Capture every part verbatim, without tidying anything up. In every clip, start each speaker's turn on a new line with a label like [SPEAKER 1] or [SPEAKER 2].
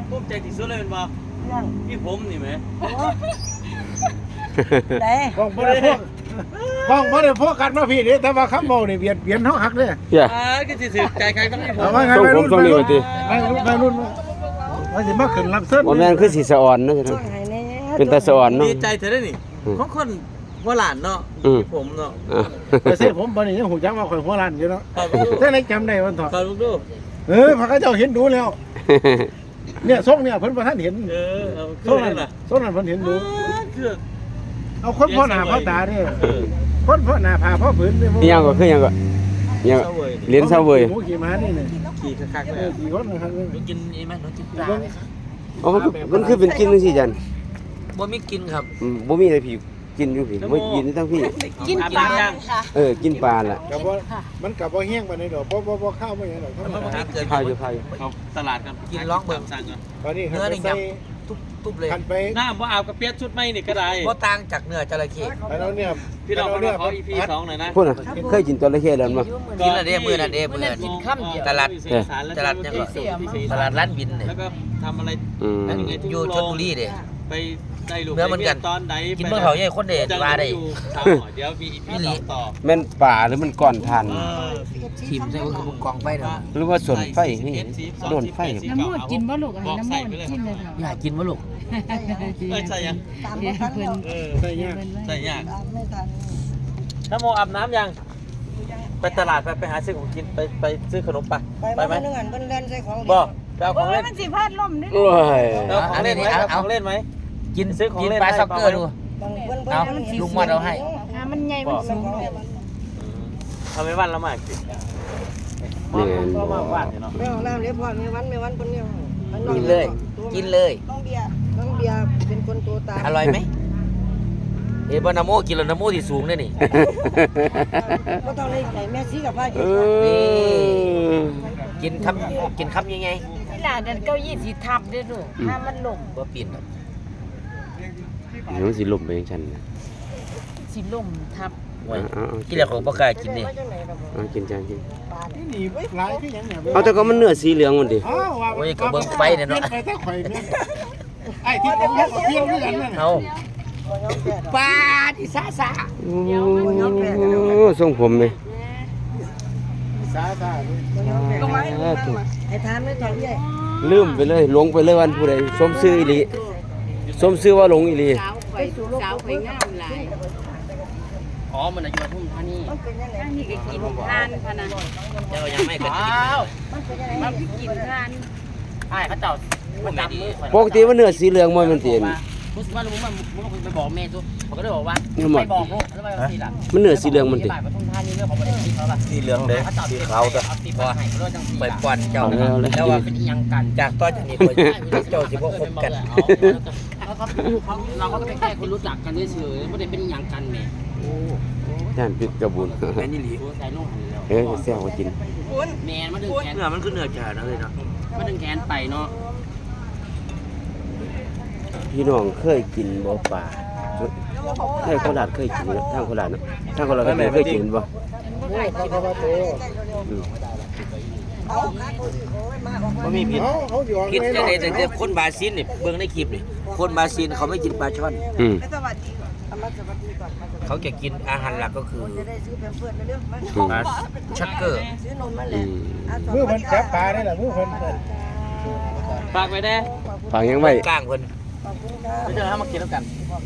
[SPEAKER 1] ภูมิใจที่สุดเลยเป็นบ่พี่ผมนี่ไหม
[SPEAKER 2] ได้
[SPEAKER 3] ห้องบ่ได้พวกห้องบ่ได้พวกกันมาพี่นี่แต่ว่าคำเว้านี่เบียดเบียนเฮาฮักเด้อ
[SPEAKER 4] เหี้ย
[SPEAKER 1] อ่าก็สิสิใจใครต้องพี่ผม
[SPEAKER 3] เอาว่าไง
[SPEAKER 4] ส่งผมส่งนี่ว่าติ
[SPEAKER 3] ไม่รุ่นไม่รุ่นว่าสิมาขึ้นรับเชิญ
[SPEAKER 4] บ่แม่นคือสิสะอ่อนเนาะ
[SPEAKER 2] ช่วงไหนแน่
[SPEAKER 4] เป็นตาสะอ่อนเนาะ
[SPEAKER 1] ดีใจเธอได้นี่ของคนหัวหลานเนาะพี่ผมเนาะ
[SPEAKER 4] อ่า
[SPEAKER 3] แต่เส้ผมบ่นี่ยังหูจักว่าข่อยหัวล้านอยู่เนาะแต่ไหนจำได้วันถอด
[SPEAKER 1] ขอลูกดู
[SPEAKER 3] เออพระเจ้าเห็นดูแล้วเนี่ยทรงเนี่ยเพิ่นบ่ทันเห็น
[SPEAKER 1] เออเอา
[SPEAKER 3] ทรง
[SPEAKER 1] ขึ้
[SPEAKER 3] นั้น
[SPEAKER 1] นล่ะ
[SPEAKER 3] ทรงนั้นเพิ่นเห็นดู
[SPEAKER 1] คือ
[SPEAKER 3] เอาคนพ่อหน้าพ่อตาเนี่ยคนพ่อหน้าพาพ่อผืนเนี่ย
[SPEAKER 4] อีหยังก็คือหยังก็อีหยังก็เหรียญเซาเว้ย
[SPEAKER 3] หมูขี่ม้านี่เนี่ย
[SPEAKER 1] ขี่คักๆเล
[SPEAKER 3] เอย อขี่คนนะครับ
[SPEAKER 1] หนูกินอีไหมหนูกินปลา
[SPEAKER 4] อ๋อมันคือมันคือเป็นกินจังซี่จัน
[SPEAKER 1] บ่มีกินครับ
[SPEAKER 4] อืมบ่มีอะไรพี่กินอยู่พี่บ่กินทั้งพี่
[SPEAKER 1] กินปลาย่าง
[SPEAKER 4] เออกินปลาล่ะ
[SPEAKER 3] กับว่ามันกับว่าแห้งปานใดดอกบ่บ่บ่ข้าวบ่หยังดอกธรรมดา
[SPEAKER 4] พาอยู่พาอยู่
[SPEAKER 1] เขาตลาดกันกินร้องเบิ่งสั่งกัน
[SPEAKER 3] ตอนนี้คันไปใส่
[SPEAKER 1] ทุบเลย
[SPEAKER 3] คันไป
[SPEAKER 1] น้าบ่อาบกับเปียกชุดไม่นี่ก็ได้
[SPEAKER 5] บ่ต่างจากเนื้อจระเข้
[SPEAKER 3] อันนั้นเนี่ย
[SPEAKER 1] พี่น้อง
[SPEAKER 3] อัน
[SPEAKER 1] มา
[SPEAKER 3] นั้น
[SPEAKER 1] ขอ อีพีสองหน่อยนะ
[SPEAKER 4] พุ่นน่ะเคยกินจระเข้แล้วมั้ย
[SPEAKER 5] กินละเด้มื้อนั้นเด้มื้อนั้นตลาดตลาดยังก็ตลาดร้านบินเนี่ย
[SPEAKER 1] แล้วก็ทำอะไร
[SPEAKER 4] อืม
[SPEAKER 5] อยู่ชลบุรีเด้
[SPEAKER 1] ไปได้ลูก
[SPEAKER 5] เนื้อเหมือนกัน
[SPEAKER 1] ตอนใด
[SPEAKER 5] กินเมื่อเขาใหญ่คนเด็ดว่าได้
[SPEAKER 1] เดี๋ยวมีอีพีสองต่อ
[SPEAKER 4] แม่นป่าหรือมันก้อนทาน
[SPEAKER 1] เออ
[SPEAKER 5] ทีมใส่ก็คือกองไฟเนาะ
[SPEAKER 4] หรือว่าสวนไฟนี่โดนไฟ
[SPEAKER 6] น้ำมูดกินบ่ลูกอะไรน้ำมูดกินเลยค่ะ
[SPEAKER 5] อยากกินบ่ลูก
[SPEAKER 1] เอ้ยใช่ยัง
[SPEAKER 2] ตามบ่ทันแล้ว
[SPEAKER 1] เออ
[SPEAKER 3] ใส่ยาก
[SPEAKER 1] ใช่ยาก
[SPEAKER 2] ตามไม่ทัน
[SPEAKER 1] ถ้าโมอาบน้ำยังไปตลาดไปไปหาซื้อของกินไปไปซื้อขนมปะ
[SPEAKER 2] ไป
[SPEAKER 1] ไป
[SPEAKER 2] มา
[SPEAKER 1] ไหม
[SPEAKER 2] เพิ่นนึงอันเพิ่นเล่นใส่ของ
[SPEAKER 1] บ่ไปเอาข
[SPEAKER 6] โอ้
[SPEAKER 1] อง
[SPEAKER 6] ย
[SPEAKER 1] เล่น
[SPEAKER 6] มันสิพลาดลมนี่
[SPEAKER 4] โอ้ย
[SPEAKER 1] ไปเอาของเล่นไหมเอาของเล่นไหม
[SPEAKER 5] กิน
[SPEAKER 1] ซื้อของ
[SPEAKER 5] กิน
[SPEAKER 1] เล่น
[SPEAKER 5] ปลา
[SPEAKER 1] ให้
[SPEAKER 5] ซ็อกเกอร์ดู
[SPEAKER 2] บางเพิ่น
[SPEAKER 5] เอา
[SPEAKER 2] เพิ่น
[SPEAKER 5] ลุงมาเอาให้
[SPEAKER 6] หามันใหญ่มันสูง
[SPEAKER 1] ทำไมวันละมากสิ
[SPEAKER 4] นี่
[SPEAKER 1] ก็มาบ้านเนาะ
[SPEAKER 2] แม่ของน้ำเรียบร้อยมีวันมีวันเพิ่นเนี่ย
[SPEAKER 5] กินเลย กินเลย
[SPEAKER 2] น้องเบียร์น้องเบียร์เป็นคนตัวตาม
[SPEAKER 5] อร่อยไหมเอ้บ่นาโมกินแล้วนาโมที่สูงเด้นี่
[SPEAKER 2] บ่ต้องได้ไหนแม่ซีกับพากิ
[SPEAKER 4] เอน อ
[SPEAKER 5] กินคำกินคำยังไง
[SPEAKER 6] เวลานั้นเก้าอี้สิทับเด้อลูกถ้ามันลม
[SPEAKER 5] บ่ปีน
[SPEAKER 4] เดี๋ยวมันสิลมไปจังซั่นน่ะ
[SPEAKER 6] สิลมทับ
[SPEAKER 5] โอ้ย
[SPEAKER 4] เอาเอา
[SPEAKER 5] กินแล้วของบ่กล้ากินนี่
[SPEAKER 4] เอากินจานกิน
[SPEAKER 3] นี่หนีไว้หลายคือหยังเนี่ย
[SPEAKER 4] เอาแต่ก็มันเนื้อสีเหลืองมันดิ
[SPEAKER 3] อ้าวว่า
[SPEAKER 5] โอ้ยก็เบิ่งไฟเนี่ยเนาะ
[SPEAKER 3] ไปแต่ข่อยเนี่ยไอ้ที่ผมเฮ็ดกับเพี้ยวด้วยกันนั่นน่ะ
[SPEAKER 5] เอาปลาที่ซาซา
[SPEAKER 4] โอ้ทรงผมไหม
[SPEAKER 3] สาธานี่
[SPEAKER 2] ลงมาไอ้ทานไม่ถอยใหญ่
[SPEAKER 4] ลืมไปเลยหลงไปเลยวันผู้ใดสมชื่ออีหลีสมชื่อว่าหลงอีหลี
[SPEAKER 6] สาวข่อยสาวข่อยงามหลาย
[SPEAKER 5] อ๋อมันอยู่ทุ่มท่านี่
[SPEAKER 2] มันเป็นยังไง
[SPEAKER 6] อันนี้ก็กินทานพะนะ
[SPEAKER 5] เจ้ายังไม่ก็กิน
[SPEAKER 2] มันเป็นยังไง
[SPEAKER 6] มันสิกินทาน
[SPEAKER 5] อ้ายเขาเจ้ามันจับมือ
[SPEAKER 4] ปกติมันเนื้อสีเหลืองมันมันเตียน
[SPEAKER 5] รู้สึกว่าลุงมันมันไปบอกแม่ทุกผมก็เลยบอกว่า
[SPEAKER 4] เนี่ยหมด
[SPEAKER 5] ไปบอกลูกแล้วไปสิล่ะ
[SPEAKER 4] มันเนื้อสีเหลืองมันติ
[SPEAKER 5] ปทุมธานีเรื่องของประเด็นที่เขาแบบ
[SPEAKER 1] สีเหลืองเด้สีขาวก็
[SPEAKER 5] ไปป่อนเจ้าแล้วว่าเป็นยังกันจากตอนนี้เจ้าสิบ่คบกัน
[SPEAKER 7] แล้วก็เราก็เป็นแค่คนรู้จักกันเฉยๆไม่ได้เป็นอย่างกันแหม่
[SPEAKER 4] ย่านปิดกระบุน
[SPEAKER 5] แม่นี่หลี
[SPEAKER 7] ใส่นุ่งหันแล้ว
[SPEAKER 4] เอ้ยแซ่บว่ากิน
[SPEAKER 7] แมนมาดึงแขน
[SPEAKER 5] เนื้อมันคือเนื้อจ่านะเลยเนาะ
[SPEAKER 7] มาดึงแขนไปเนาะ
[SPEAKER 4] พี่น้องเคยกินบ่ป่าให้โคราชเคยกินนะทางโคราชเนาะทางโคราชก็เคยกินบ่
[SPEAKER 5] มันมีผิด
[SPEAKER 3] เขาเขาอยู่
[SPEAKER 5] ผิดจังได๋แต่คนบาซินนี่เบิ่งในคลิปนี่คนบาซินเขาไม่กินปลาช่อน
[SPEAKER 4] อืม
[SPEAKER 2] ไม่สวัสดีก่อนเอามาสวัสดีก่อนมาสวัสดี
[SPEAKER 5] เขาจะกินอาหารหลักก็คือ
[SPEAKER 2] จะได้ซื้อแพมเพิร์สเรื่องมา
[SPEAKER 5] ปลาชักเกอร์
[SPEAKER 2] ซื้อนมมา
[SPEAKER 4] อื
[SPEAKER 2] แล้ว
[SPEAKER 4] ม
[SPEAKER 3] มือเพิ่นจับปลาได้ล่ะมือเพิ่น
[SPEAKER 1] ฝากไว้แน่
[SPEAKER 4] ฝากยังไว้
[SPEAKER 5] กลางเพิ่น
[SPEAKER 2] ขอบคุณครับ
[SPEAKER 1] เดี๋ยวให้มากินแล้วกัน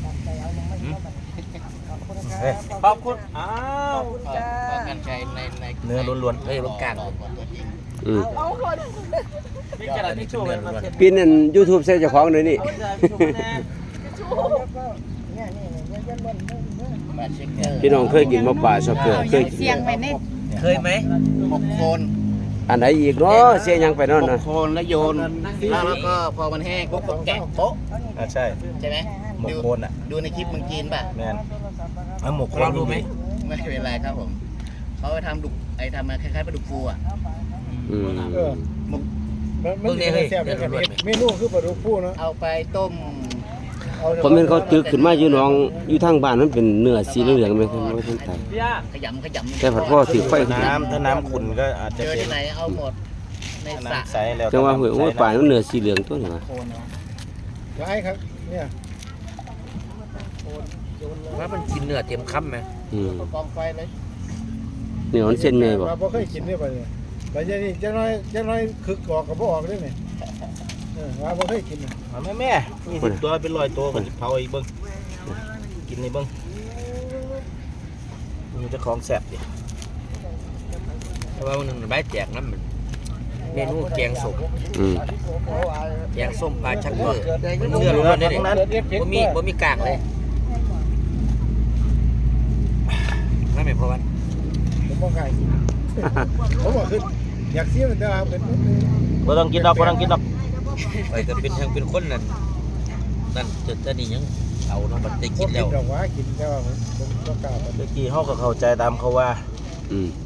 [SPEAKER 2] ขอบคุณครับ
[SPEAKER 1] ขอบคุณอ้าว
[SPEAKER 2] จ้า
[SPEAKER 5] กันใช้ในใน
[SPEAKER 1] เนื้อล้วน
[SPEAKER 5] เฮ้ยบ่กลาง
[SPEAKER 4] อืม
[SPEAKER 2] เอาคน
[SPEAKER 1] ๆมีกระดาษทิชชู่ไหมมาเช็ด
[SPEAKER 4] ปีนั้น YouTube ใส่เจ้าของเลยนี่
[SPEAKER 1] เอากระดาษทิชชู่มาแน่
[SPEAKER 2] เนี่ยนี่เนี่ยยันบน
[SPEAKER 5] ปลาชักเกอร์
[SPEAKER 4] พี่น้องเคยกินบ่ป่าช็อกเกอร์เคยกิน
[SPEAKER 6] เสียงไปใน
[SPEAKER 5] เคยไหมหกโคน
[SPEAKER 4] อันไหนอีกเนาะเสียยังไปเนาะ
[SPEAKER 5] ห
[SPEAKER 4] นะ
[SPEAKER 5] กโคนแล้วโยนแล้วก็พอมันแห้งปุ๊บก็แกะโป๊ะ
[SPEAKER 1] อ่าใช่
[SPEAKER 5] ใช่ไหม
[SPEAKER 1] หมกโคนอ่ะ
[SPEAKER 5] ดูในคลิปเมึงจีนป่ะ
[SPEAKER 1] แมนเอาหมกโคน
[SPEAKER 5] ลองดูไหมไม่เป็นไรครับผมเขาไปทำดุกไอ้ทำมาคล้ายๆปลาดุกฟูอ่ะ
[SPEAKER 4] อืม
[SPEAKER 3] เออมันมันสิแซ่บด้วยกันเมนูคือปลาดุกฟูเนาะ
[SPEAKER 5] เอาไปต้ม
[SPEAKER 4] ผมเห็นเขาตึกขึ้นมาอยู่หน้องอยู่ทางบ้านมันเป็นเนื้อสีเหลืองๆไหมครับว่าท่านไทย
[SPEAKER 1] พี่ย่า
[SPEAKER 5] ขยำขยำ
[SPEAKER 4] แต่ผัดพ่อถือไฟ
[SPEAKER 1] น้ำถ้าน้ำขุ่นก็อาจ
[SPEAKER 5] เจ
[SPEAKER 1] จะ
[SPEAKER 5] อ
[SPEAKER 1] เป็น
[SPEAKER 5] ที่ไหนเอาหมดใน
[SPEAKER 7] ในสระ
[SPEAKER 1] น้ำใสแล้ว
[SPEAKER 4] จังว่าเฮ้ยโอ้ยป่ามันเนื้อสีเหลืองตัวนี่วะ
[SPEAKER 3] ไว้ครับเนี่ย
[SPEAKER 5] ว่ามันกินเนื้อเต็มคำไหม
[SPEAKER 4] อืม
[SPEAKER 3] กองไฟเลย
[SPEAKER 4] นี่มันเส้นใหญ่บ่
[SPEAKER 3] ว่าบ่เคยกินเนี่ยไปเนี่ยไปเดี๋ยวนี้จะน้อยจะน้อยคึกออกกับบ่ออกเลยเนี่ยเออว่าบ่เคยกินน่ะ
[SPEAKER 1] เอาแม่แม่ยี่สิบตัวเป็นร้อยตัวก็จะเผาอีกเบิ้งกินในเบิ้งมันจะของแสบดิ
[SPEAKER 5] เพราะว่ามันหนึ่งใบแจกน้ำมันเมนูแกงส้ม
[SPEAKER 4] อืม
[SPEAKER 5] แกงส้มปลาชักเกอร์มันเนื้อล้วนๆเลยเนี่ยบ่มีบ่มีกากเลยนั่นหมายความว่า
[SPEAKER 3] ผมบ่กล้ากินผมบอกคืออยากเสียมันแต่ว่าเป็น
[SPEAKER 1] บ่ต้องกินดอกบ่ต้องกินดอก
[SPEAKER 5] ไปก็เป็นทางเป็นคนนั่นนั่นจะจะนี่ยังเอาเนาะมันได้
[SPEAKER 3] กิ
[SPEAKER 5] กิ
[SPEAKER 3] น
[SPEAKER 5] น
[SPEAKER 3] แล้
[SPEAKER 5] แล้ว ว
[SPEAKER 3] ดอกว่ากินแต่ว่าผมผมบ่กล้าไป
[SPEAKER 1] เมื่อกี้เขาก็เข้าใจตามเขาว่า
[SPEAKER 4] อืม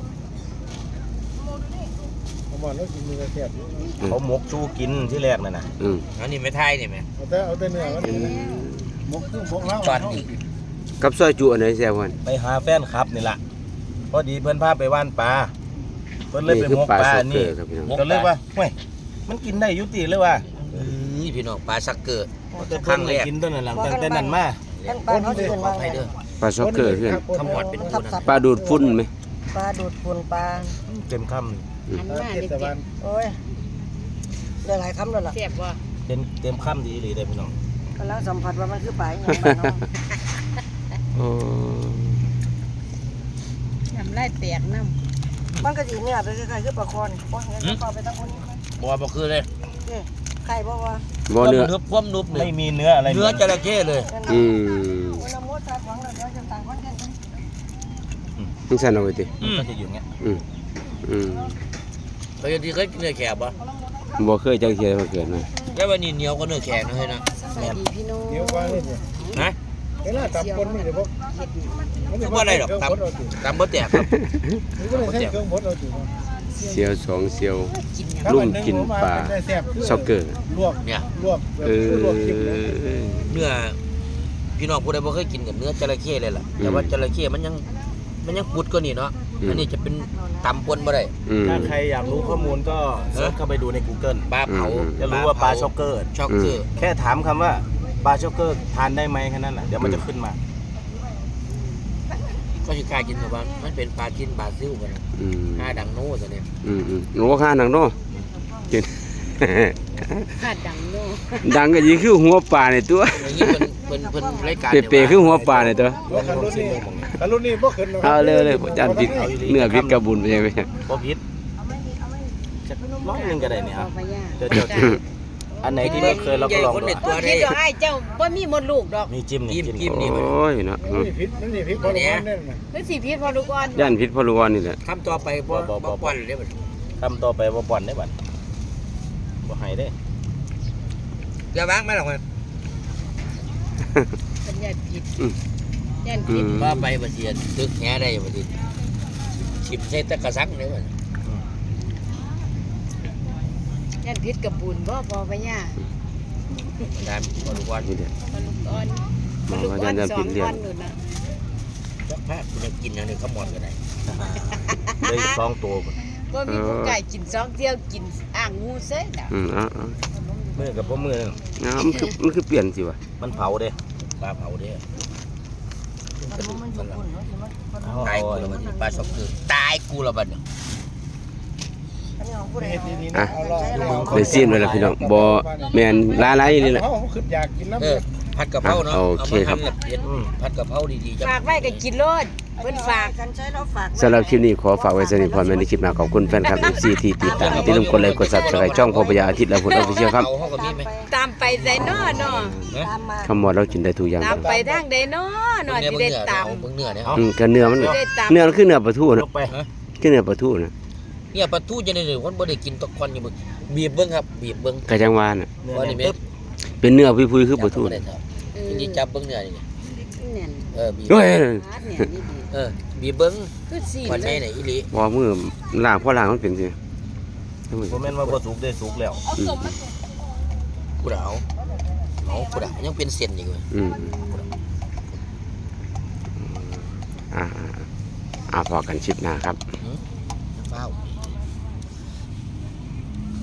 [SPEAKER 3] ผมบอกแล้วกินมือแซ่บอยู่
[SPEAKER 1] เขาหมกชูกินที่แรกนั่นน่ะ
[SPEAKER 4] อืม
[SPEAKER 5] อันนี้ไม่ไทยนี่แม่
[SPEAKER 3] เอาแต่เอาแต่เนื้อมันหมกคือหมกแล้ว
[SPEAKER 5] จอดอีก
[SPEAKER 4] กับซอยจุอันไหนแซ่บกว่า
[SPEAKER 1] ไปหาแฟนคลับนี่ล่ะพอดีเพื่อนพาไปว่านปลาเพิ่นเลย
[SPEAKER 4] นี่
[SPEAKER 1] ไป
[SPEAKER 4] คือ
[SPEAKER 1] หมก
[SPEAKER 4] ปลา
[SPEAKER 1] ปลา
[SPEAKER 4] ซอ
[SPEAKER 1] อั
[SPEAKER 4] ก
[SPEAKER 1] น
[SPEAKER 4] เกอ
[SPEAKER 1] นี้
[SPEAKER 4] ร์ครับพี่น้อง
[SPEAKER 1] ก็เลยว่าเฮ้ยมันกินได้อยุติเลยว่า
[SPEAKER 5] เอ้ยพี่น้องปลาชักเกอร์
[SPEAKER 1] แต่เพิ่นเลยกินต้นนั้นหลังตั้งแต่นั้นมา
[SPEAKER 2] กันปลาเขาสิเป็น
[SPEAKER 5] ขอ
[SPEAKER 2] ว่า
[SPEAKER 5] ไทยเด้อ
[SPEAKER 4] ปลาซอกเกอร์เพื่อน
[SPEAKER 5] ขมวดเป็น
[SPEAKER 2] ทั
[SPEAKER 5] ผู้
[SPEAKER 2] บ
[SPEAKER 5] นะ
[SPEAKER 2] สัตว์
[SPEAKER 4] ปลาดูดฝุ่นไหม
[SPEAKER 2] ปลาดูดฝุ่นปลา
[SPEAKER 1] เต็มค
[SPEAKER 6] อันมา
[SPEAKER 3] เท
[SPEAKER 6] เด็
[SPEAKER 3] ศบาล
[SPEAKER 6] ด
[SPEAKER 2] โอ้ยได้หลายคำแล้วล่ะ
[SPEAKER 6] ๆแซ่บบ่
[SPEAKER 1] ำเต็มเต็มคำดีเลยเด้อพี่น้อง
[SPEAKER 2] กำลังสัมผัสว่ามันคือปลาอย่างไรเนาะ
[SPEAKER 4] โอ้
[SPEAKER 6] น้ำลายแตกน้ำ
[SPEAKER 2] มันก็สิเนื้อเป็นคล้ายๆคือปลาคอนบ่เห็นปลาไปตั้งคนนี้
[SPEAKER 5] บ่บ่คือเลย
[SPEAKER 2] เอ้ไข่บ่ว่า
[SPEAKER 4] บ่เนื้อ
[SPEAKER 5] เนื้อพวมนุบ
[SPEAKER 1] ไม่
[SPEAKER 5] เลย
[SPEAKER 1] มีเนื้ออะไร
[SPEAKER 5] เนื้อจระเข้เลย
[SPEAKER 4] อืม
[SPEAKER 2] วันละมดตัดหวังแล้วเดี๋ยวจะต่างคนกัน
[SPEAKER 4] มึงสั่นเอาไว้ติ
[SPEAKER 1] มันก็จะอยู่อย่างเงี้ย
[SPEAKER 4] อืมอืม
[SPEAKER 5] เคยที่เคยกินเนื้อแขกบ่
[SPEAKER 4] บ่เคยจังเที่ยมาเกิดมา
[SPEAKER 5] แค่ว่านี่เหนียวกว่าเนื้อแขกนะเฮ้ยนะ
[SPEAKER 6] สวัสดีพี่น้อง
[SPEAKER 3] เดี๋ยวกว่าเลยเนี่ย
[SPEAKER 5] นะ
[SPEAKER 3] เวลาตับคนมันจะบ่
[SPEAKER 5] คือว่าอะไรหรอกตำตำบ่แตกครับ
[SPEAKER 3] มันก็เลยใช้เครื่องบดเอาสิ
[SPEAKER 4] เสียวสองเสียว
[SPEAKER 6] กินหยัง
[SPEAKER 4] ลุ่มกินปลาซอกเกอร์
[SPEAKER 3] ลวก
[SPEAKER 5] เนี่ย
[SPEAKER 3] ลวกแบบ
[SPEAKER 4] เออ
[SPEAKER 3] ลวกจิ้มเลย
[SPEAKER 5] เนื้อพี่น้องผู้ใดบ่เคยกินกับเนื้อจระเข้เลยล่ะแต่ว่าจระเข้มันยังมันยังปุดกว่านี่เนาะอันนี้จะเป็นตำปนบ่ได้
[SPEAKER 4] อืม
[SPEAKER 1] ถ้าใครอยากรู้ข้อมูลก็เสิร์ชเข้าไปดูใน Google
[SPEAKER 5] ปลาเผา
[SPEAKER 4] อืม
[SPEAKER 1] จะรู้ว่าปลาช็อกเกอร์
[SPEAKER 5] ช็อกเกอร์
[SPEAKER 1] แค่ถามคำว่าปลาช็อกเกอร์ทานได้ไหมแค่นั้นแหละเดี๋ยวมันจะขึ้นมา
[SPEAKER 5] ก็สิกล้ากินแต่ว่ามันเป็นปลากินปลาซิ่วกันนะ
[SPEAKER 4] อืม
[SPEAKER 5] หน้าดังโน่ซะเนี่ย
[SPEAKER 4] อืมอืมโอ้ข้าหนังเนาะกิน
[SPEAKER 6] คาดดังโน่
[SPEAKER 4] ดังก็ยิ่งคือหัวปลาในตัว
[SPEAKER 5] อย่างนี้เพิ่นเพิ่นเพิ่นรายการ
[SPEAKER 4] เปรย์ๆคือหัวปลาในตัว
[SPEAKER 3] ลวกคันรุ่นนี้คันรุ่นนี้บ่ขึ้นหรอก
[SPEAKER 4] เอาเลยเลยจานผิดเนื้อผิดกระบุญไปใช่ไหม
[SPEAKER 1] พอพิษจะร้อยหนึ่งก็ได้เนี่ย
[SPEAKER 6] พอ
[SPEAKER 1] อ่ะ
[SPEAKER 6] พะยา
[SPEAKER 1] เดี๋ยวเดี๋ยวอันไหนที่ไม่เคยเราก็ลอง
[SPEAKER 5] คน
[SPEAKER 1] ดู
[SPEAKER 5] ใน
[SPEAKER 1] อ่ะ
[SPEAKER 5] ตัว
[SPEAKER 6] คิ
[SPEAKER 5] ได้
[SPEAKER 6] ดดอกไอ้เจ้าบ่มีมดลูกดอก
[SPEAKER 1] มีจิ้มนี่
[SPEAKER 5] จิ้ม
[SPEAKER 1] จิ้ม
[SPEAKER 5] จิ้ม
[SPEAKER 1] นี่
[SPEAKER 4] โอ้ยเนาะ
[SPEAKER 3] มันนี่พิษมันนี่พิษพอรู้ว่าเนี่ยนะ
[SPEAKER 6] คือสิพิษพอลูกอ่อน
[SPEAKER 4] ย่านผิดพอรู้ว่านี่แหละ
[SPEAKER 5] คำต่อไปบ่บ่ปอนเลยบัด
[SPEAKER 1] คำต่อไปว่าบ่อนได้บัดบ่ให้ได้
[SPEAKER 5] อย่าวางมาหรอกมัน
[SPEAKER 6] เป็นญาติผิดญาติผิด
[SPEAKER 5] ว่าไปบ่เสียตึกแหได้บ่ดิชิมใส่ตะกะซักเลยบัด
[SPEAKER 6] ญาติผิดกับบุญบ่พอพะยา
[SPEAKER 5] มันได้บ่รู้ว่า
[SPEAKER 4] นี่แหละ
[SPEAKER 6] พอลูกอ่อน
[SPEAKER 4] มอง
[SPEAKER 6] ลูก
[SPEAKER 4] ว่า
[SPEAKER 6] อ่อ
[SPEAKER 4] ย่าน นย่าน
[SPEAKER 6] สอ
[SPEAKER 4] ผิ
[SPEAKER 6] ง
[SPEAKER 4] ดเรีย
[SPEAKER 6] วัน นนู่นน่ะ
[SPEAKER 5] สักพักมันกินอันนี้ขมอดก็ได้
[SPEAKER 1] ได้อีกสองตัวพุ่น
[SPEAKER 6] บ่มีผู้ไก่กินสองเที่ยวกินอ่างงูเซ่น่ะ
[SPEAKER 4] อืมเอ่า
[SPEAKER 1] มือกับพ่อมือ
[SPEAKER 4] ๆมันคือมันคือเปลี่ยนสิวะ
[SPEAKER 1] มันเผาเด้
[SPEAKER 5] ปลาเผาเด้อ
[SPEAKER 2] มันอยู่ฝุ่นเนาะสิมันมัน
[SPEAKER 1] เอา
[SPEAKER 5] ตาย
[SPEAKER 1] เอา
[SPEAKER 5] กูแล้วบัดนี้ปลาช็อกเกอร์ตายกูแล้วบัดนี้
[SPEAKER 2] อันนี้ของผู้ใด
[SPEAKER 3] เฮ็ด
[SPEAKER 2] เอา
[SPEAKER 3] ดีๆนะเอาล่ะ
[SPEAKER 4] ได้ซีนไว้แล้วพี่น้องบ่แม่นหลายๆนี่แหละ
[SPEAKER 3] เขาขึ้นอยากกินน้ำ
[SPEAKER 5] เออผัดกะเพราเนาะ
[SPEAKER 4] โอ
[SPEAKER 5] เอา
[SPEAKER 4] เค
[SPEAKER 5] มา
[SPEAKER 4] ครับ
[SPEAKER 5] ทำแบบเผ็ดผัดกะเพราดีๆจัง
[SPEAKER 6] ฝากไว้ก็กินโลดเพิ่นฝาก
[SPEAKER 2] กันใช้แล้วฝาก
[SPEAKER 4] สำหรับคลิปนี้ขอฝากไว้สนิทพรแม่ในคลิปหน้าขอบคุณแฟนคลับ เอฟ ซี ที่ติดตามที่ลืมกดไลค์กด Subscribe ช่องพ่อพญาอาทิตย์และผลออฟฟิเชียลครับ
[SPEAKER 5] เฮาก็มีไหม
[SPEAKER 6] ตามไปไสน้อเนาะ
[SPEAKER 2] ตามมา
[SPEAKER 4] คำว่าเรากินได้ทุกอย่าง
[SPEAKER 6] ตามไปทางใดน้อเนาะสิได้ตาม
[SPEAKER 5] เบิ่งเนื้อเนี่ย
[SPEAKER 4] อืมก็เนื้อมัน
[SPEAKER 6] สิได้ตาม
[SPEAKER 4] เนื้อมันคือเนื้อปลาทู
[SPEAKER 1] ย
[SPEAKER 4] นะ
[SPEAKER 1] กไป
[SPEAKER 4] คือเนื้อปลาทูนะ
[SPEAKER 5] เนี่ยปลาทูจะได้เลยคนบ่ได้กินตะคอนอยู่มึงบีบเบิ่งครับบีบเบิ่ง
[SPEAKER 4] กะจังหวาน่ะ
[SPEAKER 1] เนื้อ
[SPEAKER 5] ว่า
[SPEAKER 1] เนี่
[SPEAKER 5] นี่
[SPEAKER 1] ย
[SPEAKER 5] แม่
[SPEAKER 1] ปึ๊บ
[SPEAKER 4] เป็นเนื้อพุยๆคือปลาทู
[SPEAKER 5] จับบ่ได้เท่าทีนี้จับเบิ่งเนื้อนี่
[SPEAKER 6] แน่น
[SPEAKER 5] เออบีบ
[SPEAKER 4] โอ้ย
[SPEAKER 6] อาดเนี่ยนี่ดี
[SPEAKER 5] เออบีบเบิ่ง
[SPEAKER 6] คือสี
[SPEAKER 5] วัน
[SPEAKER 6] เล
[SPEAKER 5] ไหน
[SPEAKER 6] ย
[SPEAKER 5] ไหนอีหลี
[SPEAKER 4] บ่มือล้างพอล้างมันเป็นสิ
[SPEAKER 1] บ่แม่นว่าบ่สุกได้สุกแล้ว
[SPEAKER 4] อืม
[SPEAKER 5] กูดาวเอากูดาวยังเป็นเส้นอยู่เว้ย
[SPEAKER 4] อืมอ่าอ่าอ่าพอกันชิปหน้าครับ
[SPEAKER 5] เฝ้า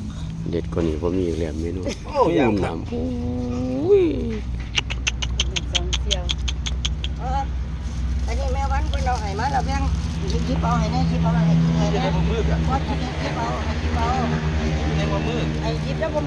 [SPEAKER 4] เด็ดกว่านี้บ่มีอีกแล้วเมนู
[SPEAKER 3] โอ้ย
[SPEAKER 4] อุ้มน้ำอุ้ย
[SPEAKER 6] สองเที่ยว
[SPEAKER 2] เอออันนี้แม่วันเพิ่นเอาให้มาแล้วแบ่งหยิบเอาให้แน่หยิบเอาให้กินให้แน่บ่กินหยิบเอาให้กินเอา
[SPEAKER 5] ในว่ามือ
[SPEAKER 2] ไอ้หยิบแล้วบ่